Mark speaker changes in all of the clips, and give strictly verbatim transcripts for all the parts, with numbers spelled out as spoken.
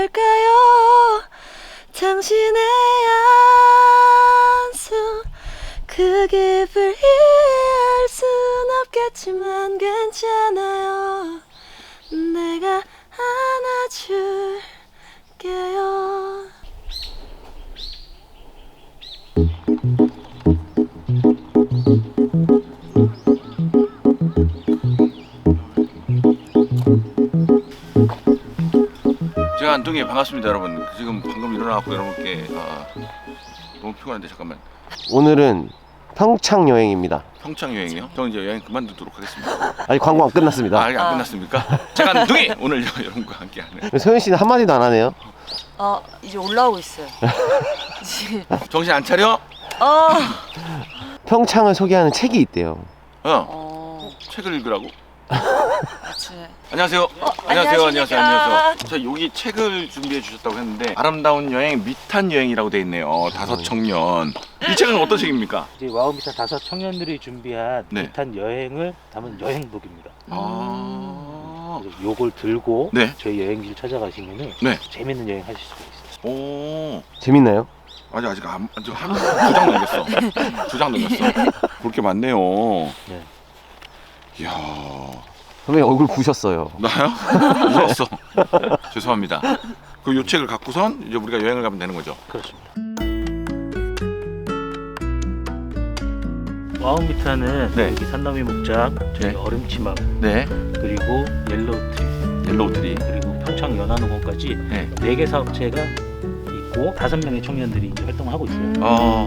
Speaker 1: 있을까요? 당신의 안수 그 깊을 이해할 순 없겠지만 괜찮아요. 내가 안아줄게요.
Speaker 2: 제가 안동에 반갑습니다, 여러분. 지금 방금 일어나갖고 여러분께 아, 너무 피곤한데 잠깐만.
Speaker 3: 오늘은 평창 여행입니다.
Speaker 2: 평창 여행이요? 저 이제 여행 그만두도록 하겠습니다.
Speaker 3: 아직 광고 안 끝났습니다.
Speaker 2: 아, 아직 안 끝났습니까? 제가 안동에 오늘 여러분과 함께하는.
Speaker 3: 소연 씨는 한마디도 안 하네요.
Speaker 1: 아 이제 올라오고 있어요. 이제
Speaker 2: 정신 안 차려?
Speaker 1: 아
Speaker 3: 평창을 소개하는 책이 있대요.
Speaker 2: 어.
Speaker 1: 어,
Speaker 2: 책을 읽으라고?
Speaker 1: 그치.
Speaker 2: 안녕하세요.
Speaker 1: 어,
Speaker 2: 안녕하세요. 안녕하세요.
Speaker 1: 안녕하십니까.
Speaker 2: 안녕하세요. 저 여기 책을 준비해 주셨다고 했는데 아름다운 여행 미탄 여행이라고 돼 있네요. 다섯 청년. 이 책은 어떤 책입니까?
Speaker 4: 이제 와우미타 다섯 청년들이 준비한
Speaker 2: 네.
Speaker 4: 비탄 여행을 담은 여행북입니다.
Speaker 2: 아.
Speaker 4: 그래서 요걸 들고
Speaker 2: 네.
Speaker 4: 저희 여행지를 찾아가시면은
Speaker 2: 네.
Speaker 4: 재밌는 여행 하실 수가 있어요.
Speaker 2: 오.
Speaker 3: 재밌나요?
Speaker 2: 아직 아직 안, 아직 한 두 장 넘겼어. 두 장 넘겼어. 볼 게 많네요.
Speaker 4: 네.
Speaker 2: 이야.
Speaker 3: 선배님 얼굴 부셨어요.
Speaker 2: 나요? 울었어. 죄송합니다. 그 요 책을 갖고선 이제 우리가 여행을 가면 되는 거죠.
Speaker 4: 그렇습니다. 와우미타는
Speaker 2: 네.
Speaker 4: 여기 산더미 목장, 저희
Speaker 2: 네.
Speaker 4: 얼음치마,
Speaker 2: 네.
Speaker 4: 그리고 옐로우트리,
Speaker 2: 옐로우 트리.
Speaker 4: 그리고 평창 연안호공까지
Speaker 2: 네.
Speaker 4: 네 개 사업체가 있고 다섯 명의 청년들이 이제 활동을 하고 있어요.
Speaker 2: 어.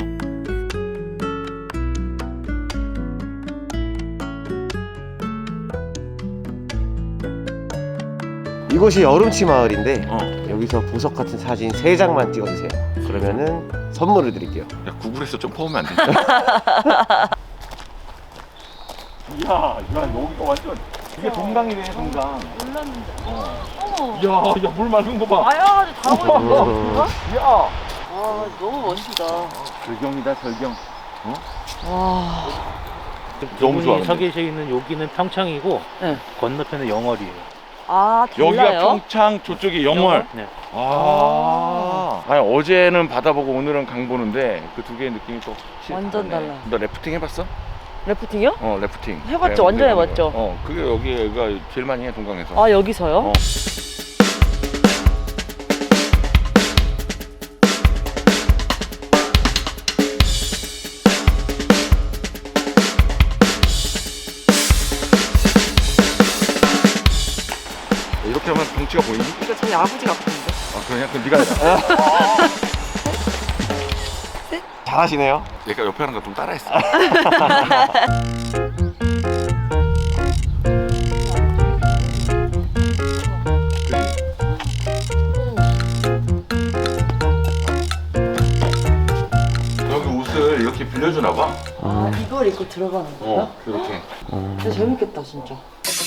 Speaker 3: 이곳이 여름치 마을인데
Speaker 2: 어.
Speaker 3: 여기서 보석 같은 사진 세 장만 찍어주세요. 그러면은 선물을 드릴게요.
Speaker 2: 야, 구글에서 좀 퍼오면 안 돼? 이야, 야, 여기가 완전 이게 동강이네, 동강.
Speaker 1: 몰랐는데.
Speaker 2: 어.
Speaker 1: 어머.
Speaker 2: 야, 야, 물 맑은 거 봐.
Speaker 1: 아야 다 보여.
Speaker 3: 음.
Speaker 2: 야.
Speaker 1: 아 너무 멋있다.
Speaker 2: 절경이다, 절경.
Speaker 1: 와.
Speaker 2: 너무 좋아, 근데.
Speaker 4: 서 계셔 있는 여기는 평창이고
Speaker 1: 네.
Speaker 4: 건너편은 영월이에요.
Speaker 1: 아
Speaker 2: 여기가
Speaker 1: 달라요?
Speaker 2: 평창, 저쪽이 영월.
Speaker 4: 네.
Speaker 2: 아. 아니, 어제는 바다 보고 오늘은 강 보는데 그 두 개의 느낌이 또 확실히
Speaker 1: 완전
Speaker 2: 다르네.
Speaker 1: 달라.
Speaker 2: 너 래프팅 해봤어?
Speaker 1: 래프팅이요?
Speaker 2: 어, 래프팅.
Speaker 1: 해봤죠.
Speaker 2: 네,
Speaker 1: 완전
Speaker 2: 네,
Speaker 1: 해봤죠.
Speaker 2: 어, 그게 여기가 제일 많이 해, 동강에서.
Speaker 1: 아 여기서요?
Speaker 2: 어. 이렇게 하면 덩치가 보이니?
Speaker 1: 이거 저희 아버지 같은데.
Speaker 2: 아, 그냥 그 네가 해라.
Speaker 3: 잘하시네요.
Speaker 2: 얘가 옆에 하는 거 좀 따라했어. 여기 옷을 이렇게 빌려주나 봐.
Speaker 1: 아 이걸 입고 들어가는 거예요?
Speaker 2: 어, 이렇게.
Speaker 1: 진짜 재밌겠다 진짜.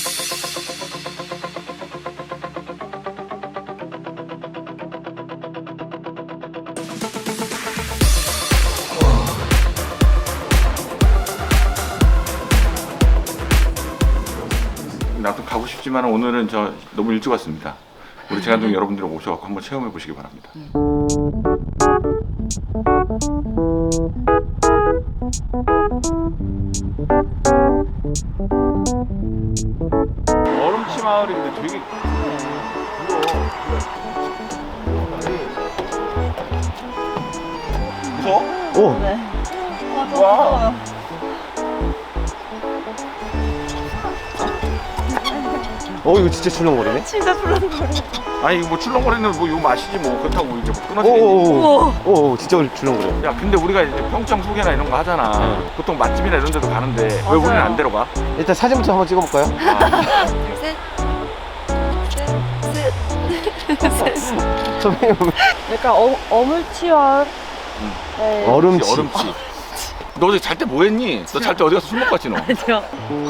Speaker 2: 나도 가고 싶지만 오늘은 저 너무 일찍 왔습니다. 우리 재간동 여러분들 오셔서 한번 체험해 보시기 바랍니다. 얼음치 마을인데 되게 무서워?
Speaker 3: 오,
Speaker 1: 네.
Speaker 2: 와.
Speaker 3: 어 이거 진짜 출렁거리네.
Speaker 1: 진짜 불안거려.
Speaker 2: 아니 뭐 출렁거리는 뭐 이거 마시지 뭐 그렇다고 이제 뭐 끊어지겠니?
Speaker 3: 오오오, 오 진짜 출렁거려.
Speaker 2: 야 근데 우리가 이제 평창 소개나 이런 거 하잖아.
Speaker 3: 네.
Speaker 2: 보통 맛집이나 이런 데도 가는데 왜
Speaker 1: 맞아요.
Speaker 2: 우리는 안 데려가?
Speaker 3: 일단 사진부터 한번 찍어볼까요?
Speaker 2: 아,
Speaker 1: 셋. 셋. 셋.
Speaker 3: 선배님
Speaker 1: 약간 어, 어물치와
Speaker 2: 음.
Speaker 1: 네.
Speaker 3: 얼음치.
Speaker 2: 얼음치. 너 어제 잘 때 뭐 했니? 너 잘 때 어디 가서 술 먹고 왔지 너?
Speaker 1: 아니요.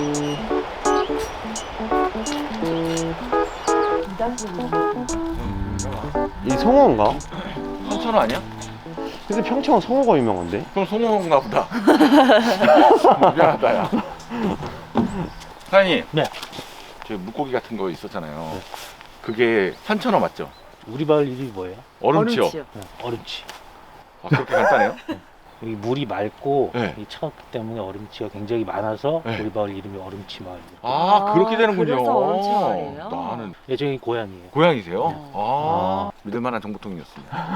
Speaker 3: 이 송어인가?
Speaker 2: 삼천원 아니야?
Speaker 3: 근데 평창은 송어가 유명한데?
Speaker 2: 그럼 송어인가 보다. 미안하다 야. 사장님.
Speaker 4: 네.
Speaker 2: 저 물고기 같은 거 있었잖아요. 그게 삼천원 맞죠?
Speaker 4: 우리 마을 이름이 뭐예요?
Speaker 2: 얼음치요.
Speaker 1: 얼음치요.
Speaker 4: 네, 얼음치.
Speaker 2: 아, 그렇게 간단해요?
Speaker 4: 여기 물이 맑고
Speaker 2: 네.
Speaker 4: 이 차갑기 때문에 얼음치가 굉장히 많아서
Speaker 2: 네.
Speaker 4: 우리 마을 이름이 얼음치 마을이에요.
Speaker 2: 아,
Speaker 1: 아,
Speaker 2: 그렇게 되는군요.
Speaker 1: 그래서 얼음치 마을이에요?
Speaker 2: 나는
Speaker 4: 예정이 고향이에요.
Speaker 2: 고향이세요? 아,
Speaker 4: 아.
Speaker 2: 믿을만한 정보통이었습니다.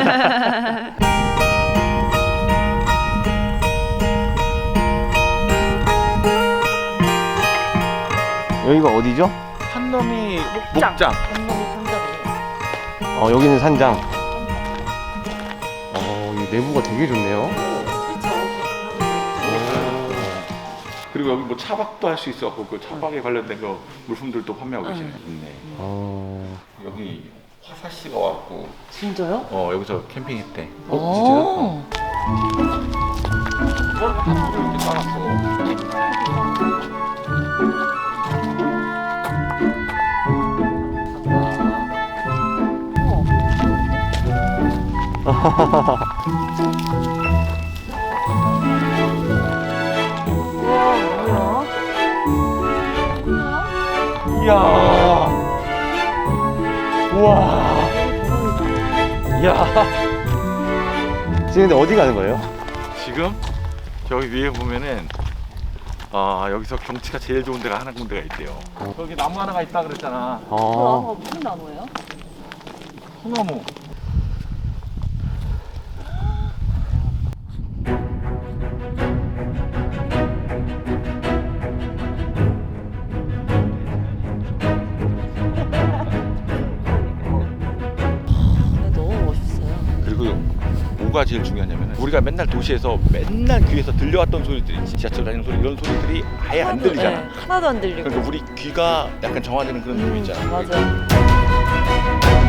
Speaker 3: 여기가 어디죠?
Speaker 2: 산넘이
Speaker 1: 목장.
Speaker 2: 목장.
Speaker 1: 한놈이 상자로.
Speaker 3: 어, 여기는 산장. 어, 이 내부가 되게 좋네요.
Speaker 2: 그리고 여기 뭐 차박도 할 수 있어갖고 그 차박에 관련된 거 물품들도 판매하고 계시네. 있네.
Speaker 3: 어,
Speaker 2: 여기 화사 씨가 왔고,
Speaker 1: 진짜요?
Speaker 2: 어 여기서 캠핑했대.
Speaker 1: 어,
Speaker 2: 이걸 다 이렇게 따놨어.
Speaker 1: 우와, 뭐야?
Speaker 3: 이야. 우와. 이야. 지금 근데 어디 가는 거예요?
Speaker 2: 지금 저기 위에 보면은 아 여기서 경치가 제일 좋은 데가 하나 군데가 있대요. 여기 나무 하나가 있다 그랬잖아.
Speaker 1: 그
Speaker 3: 어.
Speaker 1: 나무가 무슨 나무예요?
Speaker 2: 소나무.
Speaker 1: 네, 너무 멋있어요.
Speaker 2: 그리고 뭐가 제일 중요하냐면 우리가 맨날 도시에서 맨날 귀에서 들려왔던 소리들이 지하철 다니는 소리 이런 소리들이 아예 안 들리잖아.
Speaker 1: 네, 하나도 안 들리고.
Speaker 2: 그러니까 우리 귀가 약간 정화되는 그런 느낌 있잖아.
Speaker 1: 맞아요.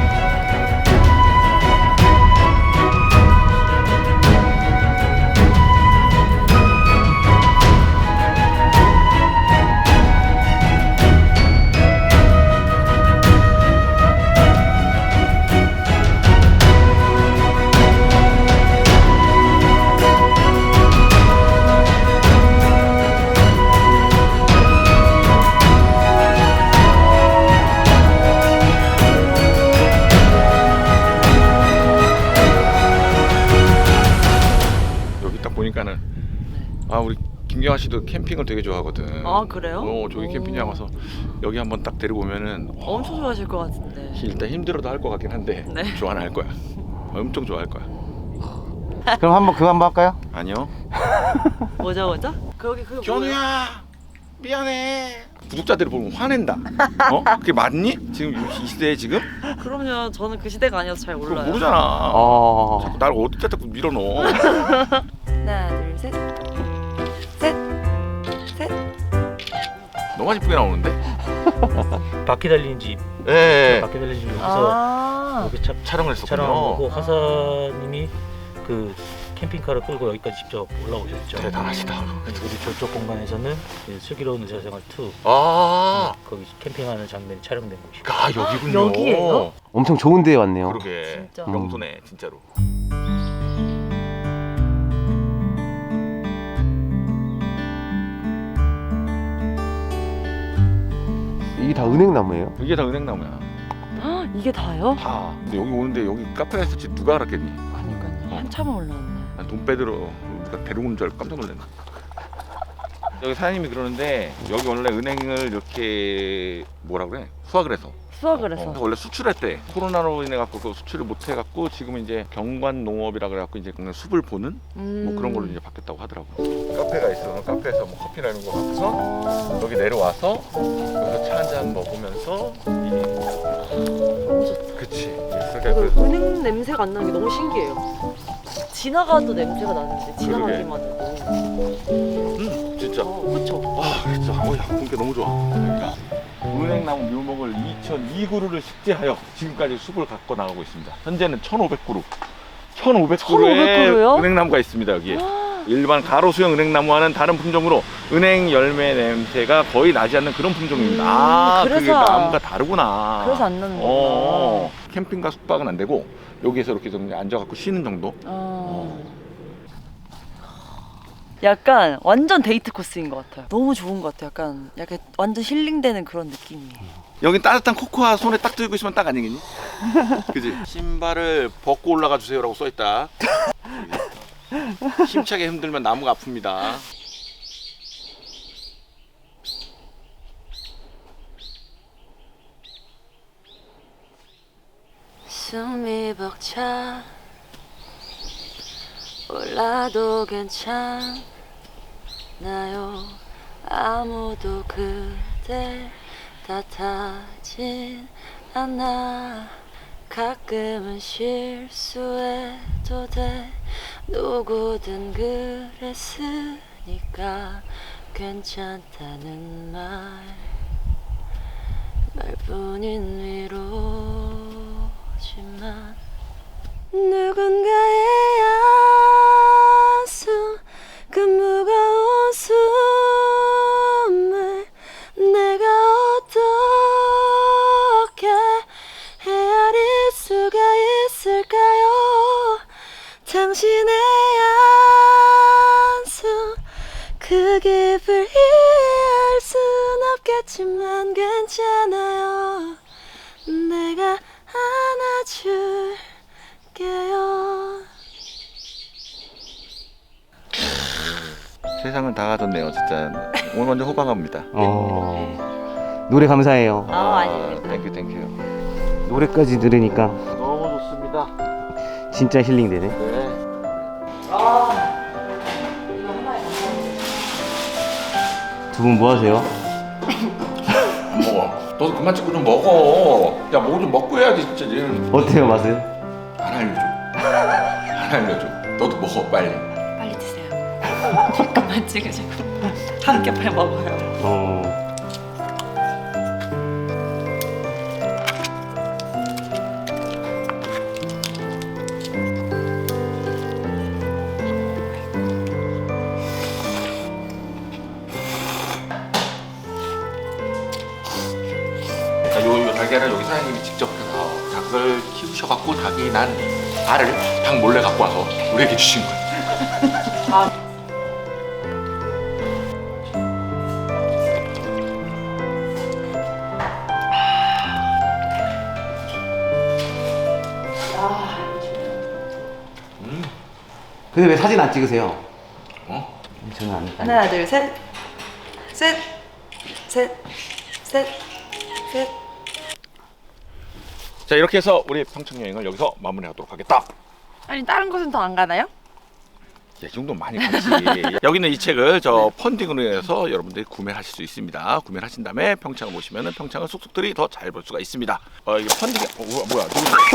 Speaker 2: 여기 딱 보니까는 아 우리 김경아 씨도 캠핑을 되게 좋아하거든.
Speaker 1: 아, 그래요?
Speaker 2: 어 저기
Speaker 1: 오.
Speaker 2: 캠핑장 와서 여기 한번 딱 데리고 오면은
Speaker 1: 엄청 좋아하실 것 같은데.
Speaker 2: 일단 힘들어도 할 것 같긴 한데
Speaker 1: 네.
Speaker 2: 좋아는 할 거야. 엄청 좋아할 거야.
Speaker 3: 그럼 한번 그거 한번 할까요?
Speaker 2: 아니요.
Speaker 1: 뭐죠, 뭐죠? 거기 그
Speaker 2: 견우야 미안해. 구독자들이 보면 화낸다. 어? 그게 맞니? 지금 이 시대에 지금?
Speaker 1: 그럼요. 저는 그 시대가 아니어서 잘
Speaker 2: 그거
Speaker 1: 몰라요.
Speaker 2: 모르잖아.
Speaker 3: 어.
Speaker 2: 자꾸 날 어디다 자꾸 밀어넣어.
Speaker 1: 하나, 둘, 셋. 셋. 셋.
Speaker 2: 너무 이쁘게 나오는데?
Speaker 4: 바퀴 달린 집,
Speaker 2: 예.
Speaker 4: 바퀴 달린 집 여기서
Speaker 1: 아.
Speaker 4: 여기 차,
Speaker 2: 촬영을 했었군요.
Speaker 4: 촬영하고 하사님이 그 캠핑카를 끌고 여기까지 직접 올라오셨죠.
Speaker 2: 대단하시다.
Speaker 4: 우리 저쪽 공간에서는 이제 슬기로운 의사생활 투
Speaker 2: 아,
Speaker 4: 거기 캠핑하는 장면이 촬영된 곳이고.
Speaker 2: 아 여기군요.
Speaker 1: 여기예요?
Speaker 3: 엄청 좋은 데에 왔네요.
Speaker 2: 그러게.
Speaker 1: 진짜.
Speaker 2: 명소네 진짜로.
Speaker 3: 이게 다 은행나무예요?
Speaker 2: 이게 다 은행나무야.
Speaker 1: 헉, 이게 다요?
Speaker 2: 다. 근데 여기 오는데 여기 카페가 있을지 누가 알았겠니?
Speaker 1: 그러니까요. 한참을 올라왔네.
Speaker 2: 난 돈 빼들어 누가 데리고 온 줄 알고 깜짝 놀랐네. 여기 사장님이 그러는데 여기 원래 은행을 이렇게 뭐라 그래? 수확을 해서
Speaker 1: 수확을 해서.
Speaker 2: 어, 원래 수출했대. 코로나로 인해 갖고 그 수출을 못 해 갖고 지금 이제 경관 농업이라 그래 갖고 이제 그냥 숲을 보는
Speaker 1: 음.
Speaker 2: 뭐 그런 걸로 이제 바뀌었다고 하더라고. 카페가 있어. 카페에서 뭐 커피나 이런 거 갖고서
Speaker 1: 어.
Speaker 2: 여기 내려와서 여기서 차 한 잔 먹으면서
Speaker 1: 너무 좋다.
Speaker 2: 그치.
Speaker 1: 그리고
Speaker 2: 그러니까 그
Speaker 1: 은행 냄새가 안 나는 게 너무 신기해요. 지나가도 냄새가 나는데 지나가기만 해도.
Speaker 2: 음, 진짜.
Speaker 1: 어, 그쵸?
Speaker 2: 아, 진짜. 어야, 공기 너무 좋아. 그러니까 은행나무 묘목을 이천이 그루를 식재하여 지금까지 숲을 갖고 나가고 있습니다. 현재는 천오백 그루. 천오백
Speaker 1: 천오백
Speaker 2: 그루의
Speaker 1: 그루요?
Speaker 2: 은행나무가 있습니다, 여기에. 일반 가로수형 은행나무와는 다른 품종으로 은행 열매 냄새가 거의 나지 않는 그런 품종입니다.
Speaker 1: 음,
Speaker 2: 아, 그게
Speaker 1: 그래서-
Speaker 2: 나무가 다르구나.
Speaker 1: 그래서 안 나는
Speaker 2: 어,
Speaker 1: 거구나.
Speaker 2: 캠핑과 숙박은 안 되고 여기에서 이렇게 좀 앉아갖고 쉬는 정도.
Speaker 1: 어. 약간 완전 데이트 코스인 것 같아요. 너무 좋은 것 같아요. 약간 약간 완전 힐링되는 그런 느낌이에요.
Speaker 2: 여긴 따뜻한 코코아 손에 딱 들고 있으면 딱 아니겠니? 그지? 신발을 벗고 올라가 주세요라고 써있다. 힘차게 흔들면 나무가 아픕니다.
Speaker 1: 숨이 벅차 올라도 괜찮나요? 아무도 그댈 탓하진 않아. 가끔은 실수해도 돼. 누구든 그랬으니까 괜찮다는 말 말뿐인 위로지만 누군가의 안수 그 무거운 숨을 내가 어떻게 헤아릴 수가 있을까요? 당신의 안수 그 깊을 이해할 순 없겠지만 괜찮아요. 내가 안아줄게요.
Speaker 2: 세상을 다 가졌네요, 진짜. 오늘 완전 호강합니다.
Speaker 3: 어, 노래 감사해요.
Speaker 1: 아, 아닙니다.
Speaker 2: 땡큐, 땡큐.
Speaker 3: 노래까지 들으니까
Speaker 2: 너무 좋습니다.
Speaker 3: 진짜 힐링되네.
Speaker 2: 네.
Speaker 3: 두 분 뭐 하세요?
Speaker 2: 먹어. 너도 그만 찍고 좀 먹어. 야, 뭐 좀 먹고 해야지, 진짜. 얘는
Speaker 3: 어때요, 맛은?
Speaker 2: 안 알려줘. 안 알려줘. 너도 먹어, 빨리.
Speaker 1: 빨리 드세요. 그만 찍으시고 함께 빨리 먹어요.
Speaker 3: 어,
Speaker 2: 요, 요 달걀을 여기 사장님이 직접 해서 닭을 키우셔갖고 닭이 난 알을 닭 몰래 갖고 와서 우리에게 주신 거예요.
Speaker 3: 근데 왜 사진 안 찍으세요?
Speaker 2: 어?
Speaker 3: 저는 안. 안-
Speaker 1: 하나 둘 셋. 셋. 셋. 셋. 셋.
Speaker 2: 자, 이렇게 해서 우리 평창 여행을 여기서 마무리하도록 하겠다.
Speaker 1: 아니 다른 곳은 더 안 가나요?
Speaker 2: 이 정도 많이 갔지. 여기는 이 책을 저 펀딩으로 해서 여러분들이 구매하실 수 있습니다. 구매를 하신 다음에 평창을 보시면은 평창을 속속들이 더 잘 볼 수가 있습니다. 어, 이게 펀딩이 어, 뭐야, 뭐야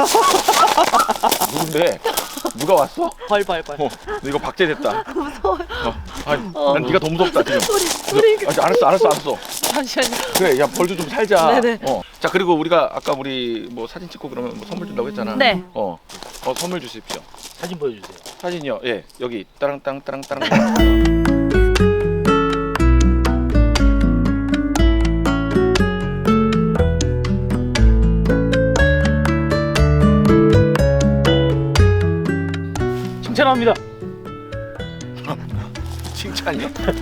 Speaker 2: 누군데? 누군데? 누가 왔어?
Speaker 1: 벌벌벌.
Speaker 2: 어, 이거 박제됐다.
Speaker 1: 무서워요.
Speaker 2: 어, 아니,
Speaker 1: 어.
Speaker 2: 난 네가 더 무섭다 지금.
Speaker 1: 소리 소리.
Speaker 2: 아, 알았어, 알았어, 알았어.
Speaker 1: 잠시만요.
Speaker 2: 그래, 야 벌도 좀 살자.
Speaker 1: 네네.
Speaker 2: 어. 자, 그리고 우리가 아까 우리 뭐 사진 찍고 그러면 뭐 선물 준다고 했잖아.
Speaker 1: 네.
Speaker 2: 어, 어 선물 주십시오.
Speaker 4: 사진 보여주세요.
Speaker 2: 사진이요. 예, 여기 따랑땅 따랑따랑.
Speaker 4: 칭찬합니다.
Speaker 2: 칭찬이요?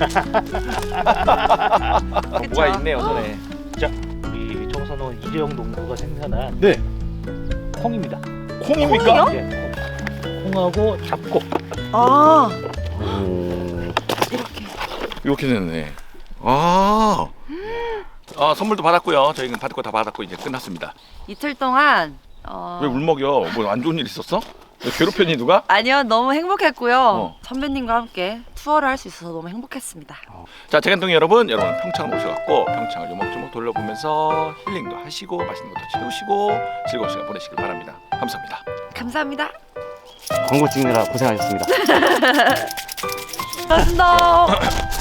Speaker 2: 어, 뭐가 있네요 손에.
Speaker 4: 자, 우리 청산원 이재영 농부가 생산한
Speaker 2: 네.
Speaker 4: 콩입니다.
Speaker 2: 콩입니까?
Speaker 1: 콩이요?
Speaker 4: 예, 콩. 콩하고 잡곡.
Speaker 1: 아
Speaker 3: 음,
Speaker 1: 이렇게.
Speaker 2: 이렇게 됐네. 아. 아, 선물도 받았고요. 저희는 받을 거 다 받았고 이제 끝났습니다.
Speaker 1: 이틀 동안 어...
Speaker 2: 왜 울먹여? 뭐 안 좋은 일 있었어? 왜 괴롭혔니 누가?
Speaker 1: 아니요 너무 행복했고요.
Speaker 2: 어.
Speaker 1: 선배님과 함께 투어를 할 수 있어서 너무 행복했습니다.
Speaker 2: 자, 재간둥이 여러분, 여러분 평창을 오셔갖고 평창을 요목조목 돌려보면서 힐링도 하시고 맛있는 것도 채우시고 즐거운 시간 보내시길 바랍니다. 감사합니다.
Speaker 1: 감사합니다.
Speaker 3: 광고 찍느라 고생하셨습니다.
Speaker 1: 고맙습니다.